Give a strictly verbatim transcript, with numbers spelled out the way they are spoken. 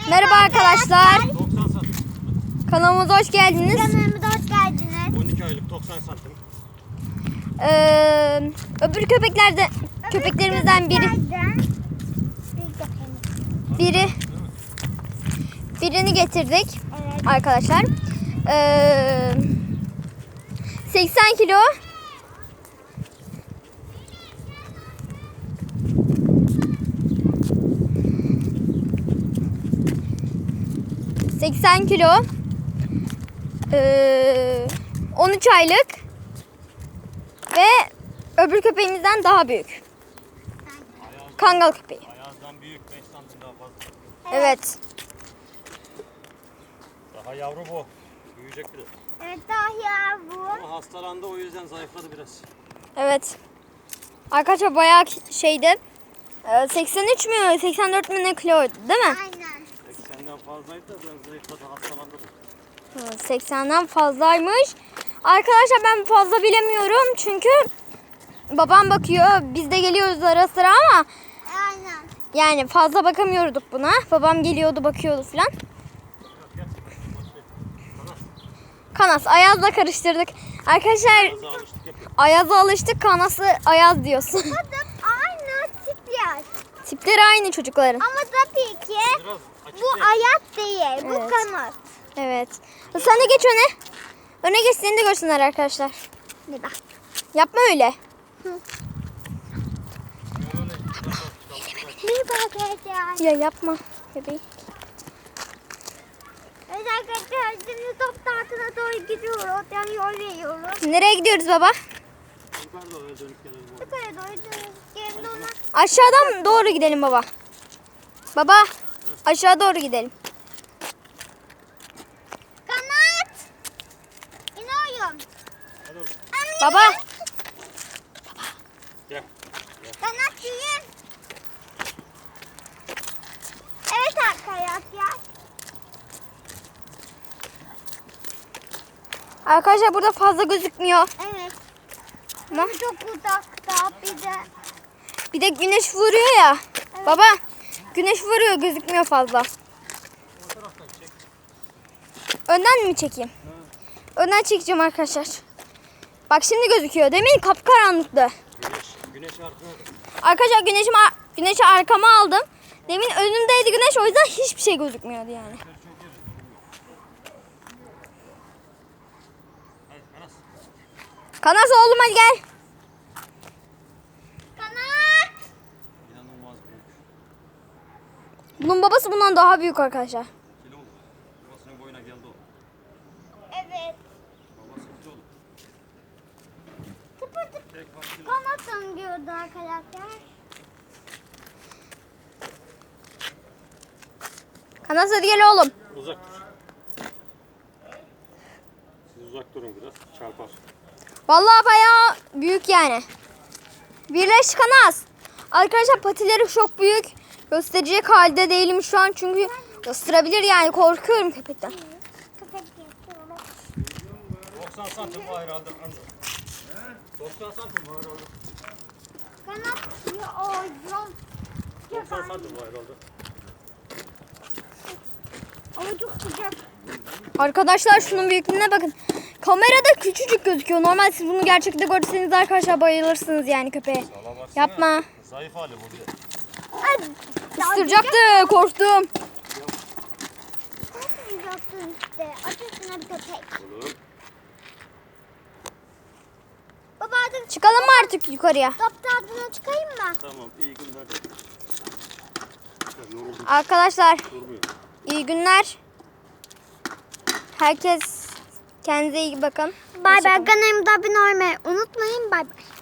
Merhaba arkadaşlar. Kanalımıza hoş geldiniz. Kanalımıza hoş geldiniz. on iki aylık doksan santim. Ee, öbür köpeklerde köpeklerimizden biri biri birini getirdik Evet. arkadaşlar. Ee, seksen kilo. seksen kilo. Ee, on üç aylık. Ve öbür köpeğimizden daha büyük. Kangal köpeği. Ayazdan büyük, beş santim daha fazla. Evet. Daha yavru bu. Büyüyecek biraz. Evet, daha bu. Ama hastalandı, o yüzden zayıfladı biraz. Evet. Arkadaşlar bayağı şeydi. Ee, seksen üç mü seksen dört mü ne kiloydu değil mi? Aynen. seksenden fazlaydı da biraz zayıfladı, hastalandı bu. Hı, seksenden fazlaymış. Arkadaşlar ben fazla bilemiyorum çünkü babam bakıyor. Biz de geliyoruz ara sıra ama Aynen. yani fazla bakamıyorduk buna. Babam geliyordu, bakıyordu falan. Kanas, Ayaz'la karıştırdık. Arkadaşlar Biraz alıştık yapıyor. Ayaz'a alıştık, Kanas'ı Ayaz diyorsun. Bu da aynı tipler. Tipleri aynı çocukların. Ama tabii ki Biraz açık bu değil. ayak değil. Bu Evet. kanat. Evet. Sen de geç öne. Öne geç, seni de görsünler arkadaşlar. Bir bak. Yapma öyle. Bir bakacağız. Ya yapma bebeğim. Evet arkadaşlar, şimdi top tahtına doğru gidiyoruz. Yani yol veriyoruz. Nereye gidiyoruz baba? Yukarıda öyle dönüp gelelim. Yukarı doğru dönüyoruz. Geldi ona. Aşağıdan doğru gidelim baba. Baba, aşağı doğru gidelim. Kanat. İniyorum. Hadi oğlum. Baba, Gel. Kanat yiyin. Evet arkadaşlar. arkadaşlar burada fazla gözükmüyor. Evet. Tamam. Çok uzakta bir de. Bir de güneş vuruyor ya. Baba, güneş vuruyor, gözükmüyor fazla. O taraftan çek. Önden mi çekeyim? Önden çekeceğim arkadaşlar. Bak şimdi gözüküyor. Demin kapkaranlıktı. Güneş, güneş arkada. Arkadaşlar güneşimi, güneşi arkama aldım. Demin önümdeydi güneş, o yüzden hiçbir şey gözükmüyordu yani. Hadi Anas. Kanas oğlum hadi gel. Kanat. İnanılmaz büyük. Bunun babası bundan daha büyük arkadaşlar. Kilo oldu. Babasının boyuna geldi o. Evet. Babası kilo oldu. Tıpır tıpır. Tek var kilo. Kanat diyordu arkadaşlar. Kanas hadi gel oğlum. Uzak dur. Siz uzak durun biraz. Çarpar. Vallahi bayağı büyük yani. Birleş Kanas. Arkadaşlar patileri çok büyük. Gösterecek halde değilim şu an çünkü ısırabilir yani, korkuyorum köpekten. Köpek yapıyorum. doksan santim var herhalde. doksan santim var herhalde. Kanat yiyorum. doksan santim var herhalde. Ama çok sıcak. Arkadaşlar şunun büyüklüğüne bakın. Kamerada küçücük gözüküyor. Normal siz bunu gerçekte görseniz arkadaşlar bayılırsınız yani köpeğe. Sala baksana. Yapma. Zayıf hali bu bir de. Ay, Isıracaktı, korktum. Isıracaktın işte. Acısına bir köpek. Oğlum. Baba hadi çıkalım mı artık yukarıya? Top tahtına çıkayım mı? Tamam, iyi günler. de. Ya, yoruldum, Arkadaşlar durmuyor. iyi günler. Herkes kendinize iyi bakın. Bay bay. Hoşça kalın. Kanalımda abone olmayı unutmayın. Bay bay.